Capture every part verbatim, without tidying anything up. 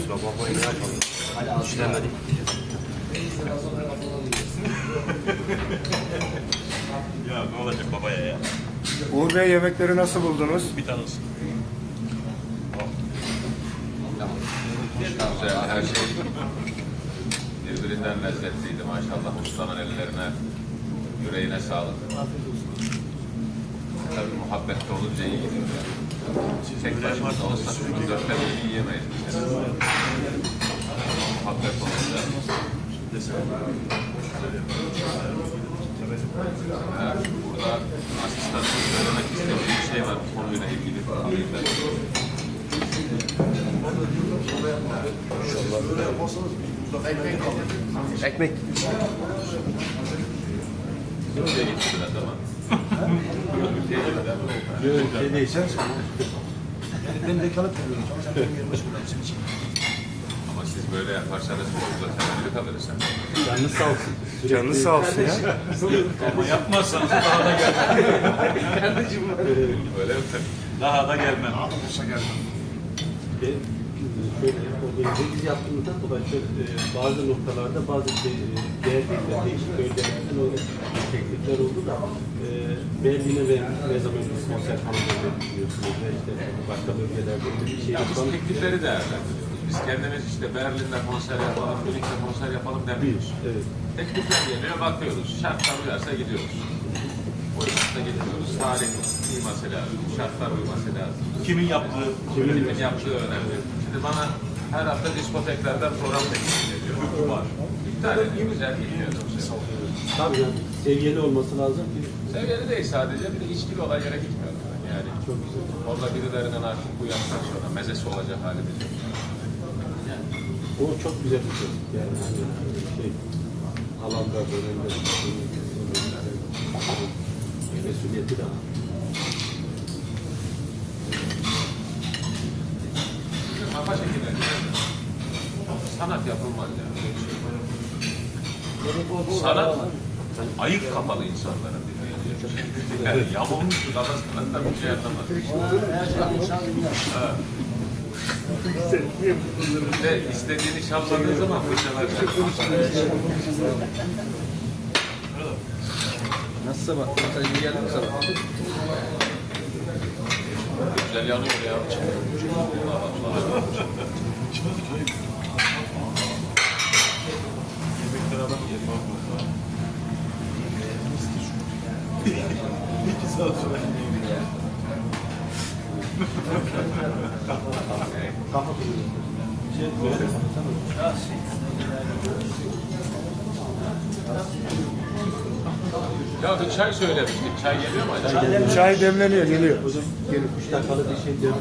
La babayı ne yapalım? Hadi işlemedik. Ya ne olacak babaya ya? Uğur Bey, yemekleri nasıl buldunuz? Bir tane olsun. Güzel, her şey birbirinden lezzetliydi maşallah. Ustanın ellerine, yüreğine sağlık. Tabii muhabbette olunca iyi gidiyor. Tek başımıza olsak biz dörtte bir yiyemeyiz. Muhabbet olunca. Evet, burada asistanımız söylemek istediği bir şey var bu konuyla ilgili. Alayım ben. Ekmek. Ülkeye getirdiler ama. Ülkeye getirdiler ama. Ne diyeceğiz? Ben de kalıp veriyorum. Sen benim yerime çıkıyorum senin için. Ama siz böyle yaparsanız burada temelde kalırız. Canınız sağ olsun. Canınız sağ olsun ya. Ama yapmazsanız daha da gelmem. Öyle mi? Daha da gelmem. Olsa gelmem. Ben şöyle organize biz yaptığımızdan dolayı şöyle, e, bazı noktalarda bazı şey, e, değerlikler, değişik bölgelerden öyle teklifler oldu da e, Berlin'e ve ne zaman bir konser falan biliyorsunuz ve işte başka bölgelerde öyle bir şey Ya biz yapalım. teklifleri değerlendiriyoruz. Biz kendimiz işte Berlin'de konser yapalım, Münih'te konser yapalım demiyoruz. Evet. Teklifler geliyor, bakıyoruz. Şartlar uyarsa gidiyoruz. Uymazsa gidiyoruz. Tarih uyması lazım, şartlar uyması lazım. Kimin yaptığı? Kimin yaptığı önemli. Şimdi bana her hafta diskoteklerden program teklif ediyor. Var. İptal ediyor, güzel gitmiyor. Tabii yani seviyeli olması lazım ki Seviyeli değil sadece, bir de içkili olan yere gitmiyorum ben. Yani çok güzel. orada birilerinin artık bu yaştan sonra mezesi olacak halimiz yok. O çok güzel bir şey. Yani hani şey alanda dönemde mesuliyeti de var. Kafa şekilleri sanat yapılmaz yani. Sanat ayık kapalı insanların dinleyeceği. Yani yamulmuş kafasından bir şey anlamaz. Evet. Ve istediğini çalmadığı zaman fırçalar. Nasılsa bak, sen iyi geldin mi sana? Güzel yanıyor ya. Yemekler adam yer. İki saat sonra Kafa buluyor. Şey, böyle Ya bir çay söylemiştik. Çay geliyor mu acaba? Çay demleniyor, geliyor. hocam gelip üç dakikalık bir şey diyoruz.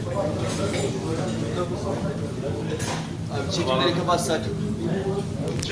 Abi çekimleri kapatsak.